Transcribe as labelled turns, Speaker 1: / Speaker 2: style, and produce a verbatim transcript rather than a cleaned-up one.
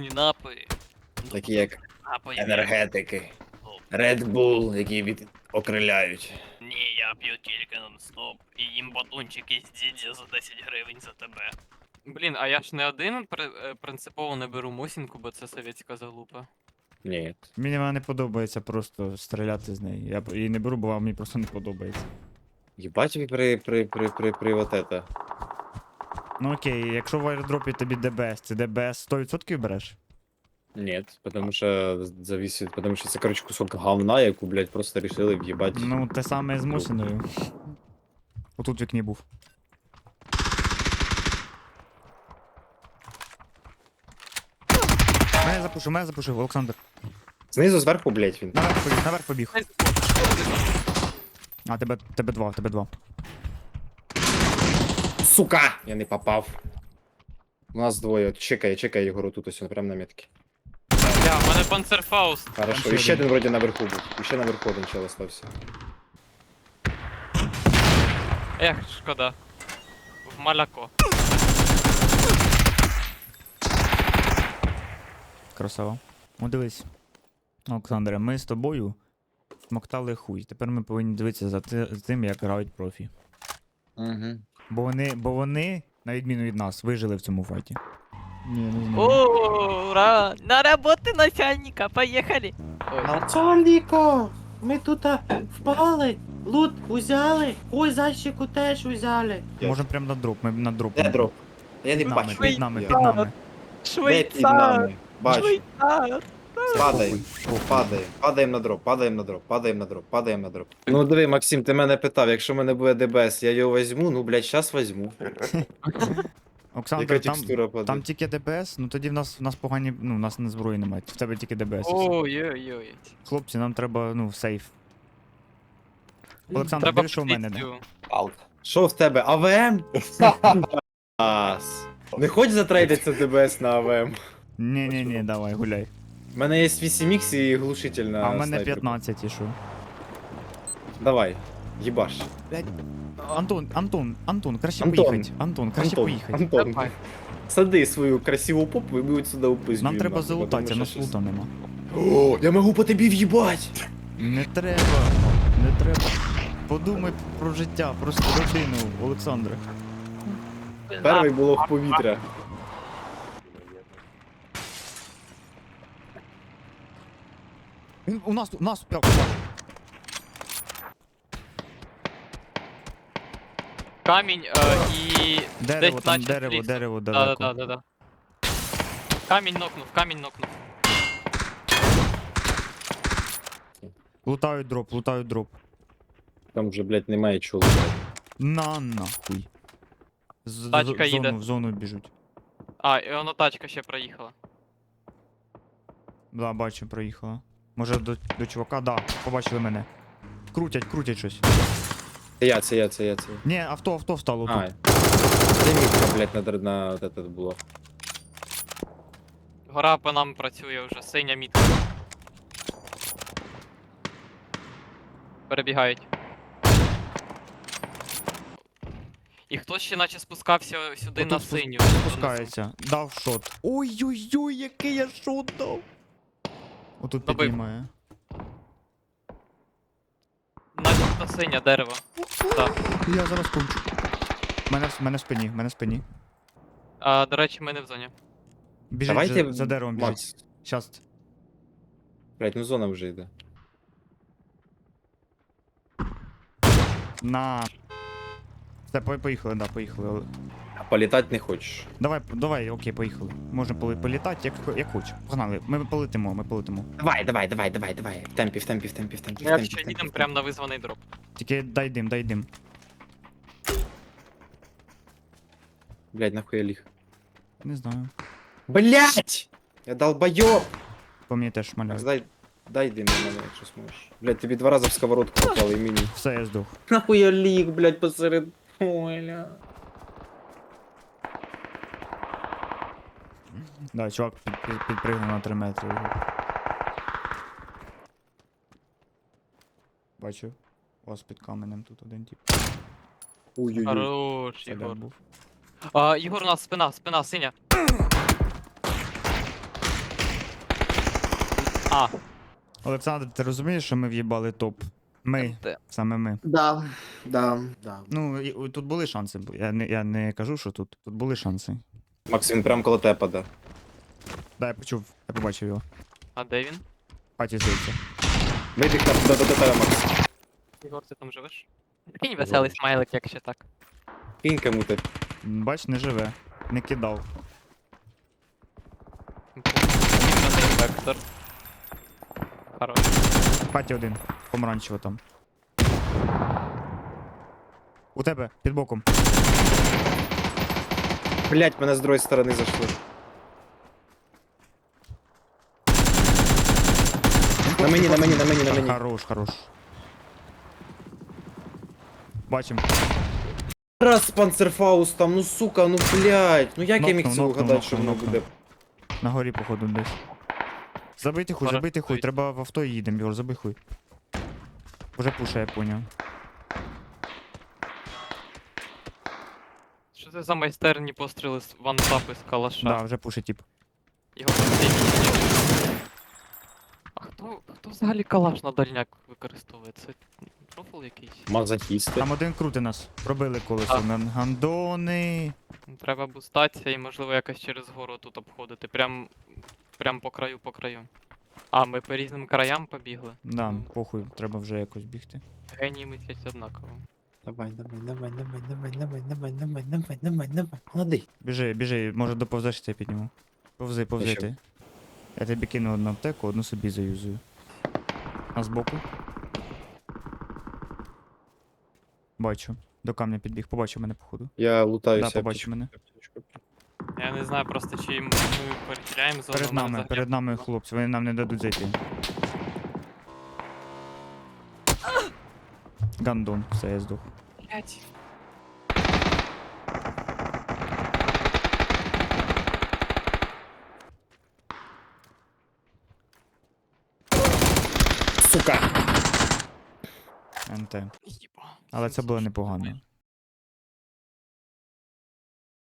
Speaker 1: алкогольні напої.
Speaker 2: Такі як
Speaker 1: Напої.
Speaker 2: енергетики. Red Bull, які від... окриляють.
Speaker 1: Ні, я п'ю тільки нон-стоп. І їм батончики з дідзі за десять гривень за тебе. Блін, а я ж не один при... е, принципово не беру мосінку, бо це совєтська залупа.
Speaker 2: Ні.
Speaker 3: Мені вона не подобається просто стріляти з неї. Я б її не беру, бо мені просто не подобається.
Speaker 2: Єбать ви при, при, при, при, при вот это.
Speaker 3: Ну окей, якщо в аеродропі тобі ДБС, ти ДБС сто відсотків береш?
Speaker 2: Нет, потому что зависит, потому что це, короче, кусок говна, яку, блядь, просто решили в'їбать.
Speaker 3: Ну, те саме з Мосіною. Отут в вікні був. Мене запушив, мене запушив, Олександр.
Speaker 2: Знизу, зверху, блядь, він.
Speaker 3: Наверх побіг, наверх побіг. А, тебе, тебе два, тебе два.
Speaker 2: Сука! Я не попав. У нас двоє. Чекає, чекає Єгору тут ось, прямо на метки.
Speaker 1: Бля, в мене панцерфауст.
Speaker 2: Хорошо,
Speaker 3: ще
Speaker 2: і ще
Speaker 3: один.
Speaker 2: один вроді наверху був. І ще наверху один чел остався.
Speaker 1: Ех, шкода. В маляко.
Speaker 3: Красава. Ну дивись. Олександре, ми з тобою смоктали хуй. Тепер ми повинні дивитися за ти- за тим, як грають профі.
Speaker 2: Угу.
Speaker 3: Бо вони, бо вони, на відміну від нас, вижили в цому файті. Ні, не знаю.
Speaker 1: Ура! На роботу начальника, поїхали! Ой.
Speaker 4: Начальнико, ми тут а, впали, лут взяли, ой, зайчику теж взяли.
Speaker 3: Можемо прямо на дроп, ми на дроп.
Speaker 2: Де дроп? Я не
Speaker 3: Під нами,
Speaker 2: бачу.
Speaker 3: під нами,
Speaker 2: Я.
Speaker 3: під нами.
Speaker 2: Де під нами? Бачу.
Speaker 1: Швейцар!
Speaker 2: Падаємо. Падаємо. Падаємо на дроп, падаємо на дроп, падаємо на дроп, падаємо на дроп. Ну диви, Максим, ти мене питав, якщо в мене буде ДБС, я його візьму, ну блядь, щас візьму.
Speaker 3: Олександр,
Speaker 2: Яка
Speaker 3: там,
Speaker 2: текстура падає?
Speaker 3: там тільки ДБС, ну тоді в нас, в нас погані, ну, в нас не зброї немає, в тебе тільки ДБС. і все.
Speaker 1: Ой-ой-ой.
Speaker 3: Хлопці, нам треба, ну, сейф. Олександр,
Speaker 1: Треба
Speaker 3: диви, що в мене не.
Speaker 1: позицію.
Speaker 2: Що в тебе? АВМ? Ас. Не хоч затрейдиться ДБС на АВМ.
Speaker 3: Ні-ні-ні, давай, гуляй.
Speaker 2: У мене є вісім ікс і глушитель на
Speaker 3: А в мене
Speaker 2: снайперку.
Speaker 3: п'ятнадцять і що?
Speaker 2: Давай, їбаш.
Speaker 3: Антон, Антон, Антон, краще
Speaker 2: Антон.
Speaker 3: поїхати. Антон, краще
Speaker 2: Антон,
Speaker 3: поїхати.
Speaker 2: Антон,
Speaker 1: Давай.
Speaker 2: сади свою красиву попу і ми от сюди упиздюємо.
Speaker 3: Нам треба
Speaker 2: нахуй,
Speaker 3: залутатися,
Speaker 2: тому
Speaker 3: нас
Speaker 2: що
Speaker 3: лута нема.
Speaker 2: щас- О, я можу по тобі в'їбать!
Speaker 3: Не треба, не треба. Подумай про життя, про свою родину, Олександре.
Speaker 2: Перший було в повітря.
Speaker 3: Він у нас, у нас, прям.
Speaker 1: Камінь е, і...
Speaker 3: Дерево,
Speaker 1: десь
Speaker 3: там
Speaker 1: наче
Speaker 3: дерево,
Speaker 1: ліс.
Speaker 3: дерево
Speaker 1: Да,
Speaker 3: далеко.
Speaker 1: да, да, да. Камінь нокнув, камінь нокнув.
Speaker 3: Лутають дроп, лутають дроп.
Speaker 2: Там вже, блядь, немає чого.
Speaker 3: На нахуй. З,
Speaker 1: Тачка
Speaker 3: в зону,
Speaker 1: їде.
Speaker 3: в зону біжуть.
Speaker 1: А, і воно тачка ще проїхала.
Speaker 3: Да, бачу, проїхала. Може до, до чувака, да, побачили мене. Крутять, крутять щось.
Speaker 2: Це я, це я, це я, це я.
Speaker 3: Ні, авто, авто встало
Speaker 2: А,
Speaker 3: тут.
Speaker 2: це мітка, блядь, на, др- на от это було.
Speaker 1: Гора по нам працює вже, синя мітка. Перебігають. І хтось ще наче спускався сюди на
Speaker 3: Отут спус-
Speaker 1: синю.
Speaker 3: Спускається. Дав шот. Ой-ой-ой, який я шот дав. Отут
Speaker 1: Добив.
Speaker 3: піднімає.
Speaker 1: Начебто синя дерево. Так.
Speaker 3: Я зараз кончу. Мене, в- мене в спині, мене в спині.
Speaker 1: А, до речі, ми не в зоні.
Speaker 3: Біжить
Speaker 2: Давайте,
Speaker 3: за, за деревом біжить.
Speaker 2: Макс.
Speaker 3: Щас.
Speaker 2: Блядь, ну зона вже йде.
Speaker 3: На. Все, по- поїхали, да, поїхали.
Speaker 2: А політати не хочеш.
Speaker 3: Давай, давай, окей, поїхали. Можна поли- політати, як, як хочеш. Погнали, ми полетимо, ми полетимо.
Speaker 2: Давай, давай, давай, давай, давай. В темпі, в темпі, в темпі, в темпі, в
Speaker 1: Ми
Speaker 2: темпі.
Speaker 1: якщо
Speaker 2: в темпі,
Speaker 1: їдемо
Speaker 2: в
Speaker 1: прямо на визваний дроп.
Speaker 3: Тільки дай дим, дай дим.
Speaker 2: темпі. Блядь, нахуй я ліг.
Speaker 3: Не знаю.
Speaker 2: Блядь! Я долбойоб!
Speaker 3: По мені теж
Speaker 2: Макс,
Speaker 3: маляють.
Speaker 2: дай, дай дим на мене, якщо зможеш. Блядь, тобі два рази в сковородку попали і мені.
Speaker 3: Все, я здох.
Speaker 2: Нахуй я ліг, блядь, посеред поля.
Speaker 3: Да, чувак під, під, підпригнув на три метри. Бачу. У вас під каменем тут один тип.
Speaker 2: Ой-ой-ой.
Speaker 1: Хорош,
Speaker 3: Це де
Speaker 1: Єгор.
Speaker 3: був.
Speaker 1: А, Єгор, у нас спина, спина, синя. А,
Speaker 3: Олександр, ти розумієш, що ми в'їбали топ? Ми,
Speaker 1: МТ.
Speaker 3: саме ми.
Speaker 4: Да, да, да.
Speaker 3: Ну, і, о, тут були шанси. бу- Я не, я не кажу, що тут. Тут були шанси.
Speaker 2: Макс, він прям коло тебе паде.
Speaker 3: Да, я почув, я побачив його.
Speaker 1: А де він?
Speaker 3: Паті здається.
Speaker 2: Вибіг на до, до, до тебе, Макс.
Speaker 1: Ігор, ти там живеш? Кинь веселий смайлик, якщо так.
Speaker 2: Кинь кому ти.
Speaker 3: М, Бач, не живе. Не кидав.
Speaker 1: Один вектор. Хорош.
Speaker 3: Паті один. Помаранчево там. У тебе, під боком.
Speaker 2: Блять, мене з другої сторони зайшли. На мені, на мені, на мені, на мені.
Speaker 3: Хорош, хорош. Бачим.
Speaker 2: Раз панцерфауст там, ну сука, ну блять. Ну як я міг
Speaker 3: Нокнув,
Speaker 2: це
Speaker 3: нокнув,
Speaker 2: угадати, що
Speaker 3: нокнув,
Speaker 2: воно буде?
Speaker 3: На горі, походу, десь. Забийте хуй,
Speaker 1: Хорош,
Speaker 3: забийте хуй,
Speaker 1: стоїть.
Speaker 3: треба в авто і їдемо, Єгор, забий хуй. Уже пуша, я поняв.
Speaker 1: Що це за майстерні постріли з вантапи з калаша?
Speaker 3: Да, вже пуша, тип.
Speaker 1: Його постійно. А хто, хто взагалі калаш на дальняк використовує? Це профіл якийсь?
Speaker 2: Мазохісти.
Speaker 3: Там один крути нас. Пробили колесо.
Speaker 1: Так.
Speaker 3: На гандони.
Speaker 1: Треба бустатися і можливо якось через гору тут обходити. Прям, прям по краю, по краю. А, ми по різним краям побігли.
Speaker 3: Да,
Speaker 1: Ну,
Speaker 3: похуй, треба вже якось бігти.
Speaker 1: Генії мислять однаково.
Speaker 2: Давай, давай, давай, давай, давай, давай, давай, давай, давай, давай, давай. Молодий.
Speaker 3: Біжи, біжи, може доповзеш, я підніму. Повзи, повзи
Speaker 2: Ще.
Speaker 3: ти. Я тобі кину одну аптеку, одну собі заюзую. А збоку? Бачу. До камня підбіг, побачив мене, походу.
Speaker 2: Я лутаюся.
Speaker 3: Да, побачив мене.
Speaker 1: Я не знаю просто, чи ми перетіляємо зону.
Speaker 3: Перед
Speaker 1: мене
Speaker 3: нами,
Speaker 1: взагалі-
Speaker 3: перед нами хлопці, вони нам не дадуть зайти. Гандон, все, я здох.
Speaker 1: Блядь.
Speaker 2: Сука!
Speaker 3: НТ.
Speaker 1: Єба.
Speaker 3: Але це було непогано.